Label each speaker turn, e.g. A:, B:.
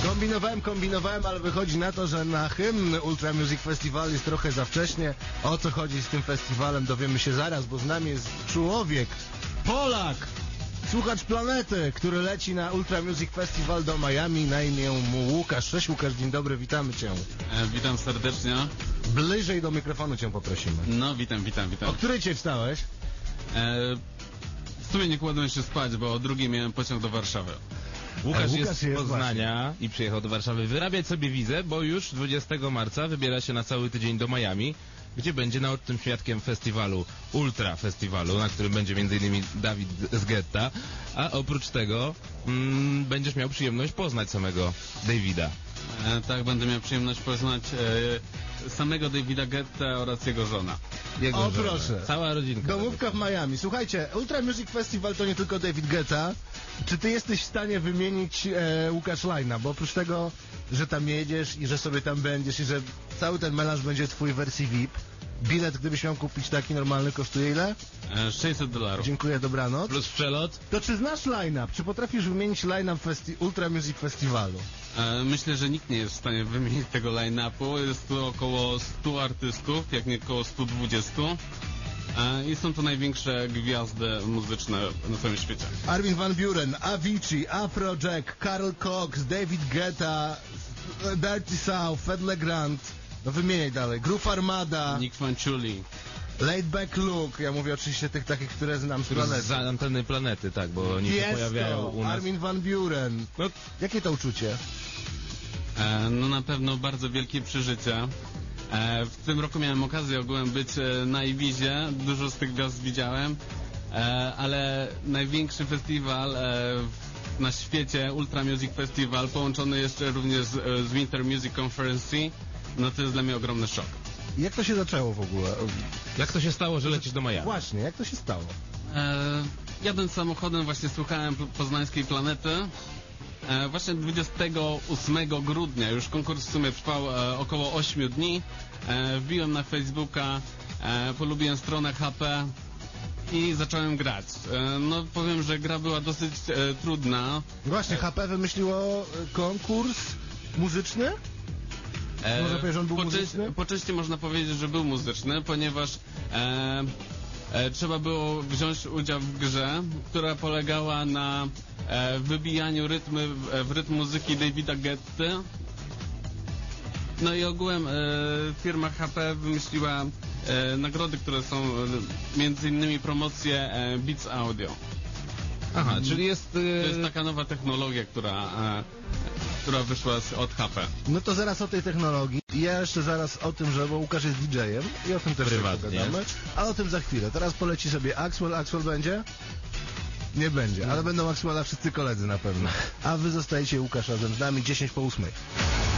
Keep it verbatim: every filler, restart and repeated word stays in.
A: Kombinowałem, kombinowałem, ale wychodzi na to, że na hymn Ultra Music Festival jest trochę za wcześnie. O co chodzi z tym festiwalem, dowiemy się zaraz, bo z nami jest człowiek, Polak, słuchacz planety, który leci na Ultra Music Festival do Miami. Na imię mu Łukasz. Cześć Łukasz, dzień dobry, witamy cię.
B: E, witam serdecznie.
A: Bliżej do mikrofonu cię poprosimy.
B: No, witam, witam, witam.
A: O której cię wstałeś?
B: E, w sumie nie kładłem się spać, bo o drugiej miałem pociąg do Warszawy.
C: Łukasz,
A: Łukasz
C: jest z
A: jest
C: Poznania
A: właśnie.
C: i przyjechał do Warszawy wyrabiać sobie wizę, bo już dwudziestego marca wybiera się na cały tydzień do Miami, gdzie będzie naocznym świadkiem festiwalu, Ultra Festiwalu, na którym będzie między innymi Dawid z Getta, a oprócz tego mm, będziesz miał przyjemność poznać samego Davida.
B: E, tak, będę miał przyjemność poznać e, samego Davida Getta oraz jego żona.
C: Jego
A: O,
C: żonę.
A: proszę.
C: Cała rodzinka.
A: Domówka w Miami. Słuchajcie, Ultra Music Festival to nie tylko David Guetta. Czy ty jesteś w stanie wymienić e, Łukasz Lajna? Bo oprócz tego, że tam jedziesz i że sobie tam będziesz i że cały ten melanż będzie w twojej wersji V I P, bilet, gdybyś miał kupić taki normalny, kosztuje ile?
B: E, sześćset dolarów.
A: Dziękuję, dobranoc.
C: Plus przelot.
A: To czy znasz line-up? Czy potrafisz wymienić line-up festi- Ultra Music Festiwalu?
B: E, myślę, że nikt nie jest w stanie wymienić tego line-upu. Jest tu około stu artystów, jak nie około stu dwudziestu. E, I są to największe gwiazdy muzyczne na całym świecie.
A: Armin van Buuren, Avicii, Afrojack, Carl Cox, David Guetta, Dirty South, Fed Legrand. No wymieniaj dalej. Groove Armada,
B: Nick Fanciulli.
A: Laid Back Luke. Ja mówię oczywiście tych takich, które znam z planety.
C: Z anteny planety, tak, bo oni się pojawiają
A: Tiesto,
C: u nas.
A: Armin van Buuren.
C: No,
A: Jakie to uczucie?
B: E, no na pewno bardzo wielkie przeżycie. E, w tym roku miałem okazję ogółem być e, na Ibizie, dużo z tych gwiazd widziałem, e, ale największy festiwal e, w, na świecie, Ultra Music Festival, połączony jeszcze również z, e, z Winter Music Conference, no to jest dla mnie ogromny szok.
A: Jak to się zaczęło w ogóle?
C: jak to się stało, że lecisz do Miami?
A: Właśnie, jak to się stało?
B: E, jadąc samochodem właśnie słuchałem po- poznańskiej planety. E, właśnie dwudziestego ósmego grudnia, już konkurs w sumie trwał e, około ośmiu dni. E, wbiłem na Facebooka, e, polubiłem stronę H P i zacząłem grać. E, no powiem, że gra była dosyć e, trudna.
A: Właśnie, H P wymyśliło e, konkurs muzyczny?
B: E,
A: Można powiedzieć, że on był
B: po,
A: muzyczny?
B: części, po części można powiedzieć, że był muzyczny, ponieważ e, e, trzeba było wziąć udział w grze, która polegała na e, wybijaniu rytmy, w, w rytm muzyki Davida Getty. No i ogółem e, firma H P wymyśliła e, nagrody, które są e, między innymi promocje e, Beats Audio.
C: Aha, czyli jest...
B: To jest
C: Yy...
B: taka nowa technologia, która, e, która wyszła z, od H P.
A: No to zaraz o tej technologii. I ja jeszcze zaraz o tym, że bo Łukasz jest D J-em i o tym też
C: Prywatnie.
A: pogadamy. A o tym za chwilę. Teraz poleci sobie Axwell. Axwell będzie? Nie będzie, ale będą Axwella wszyscy koledzy na pewno. A wy zostajecie, Łukasz, razem z nami dziesięć po ósmej.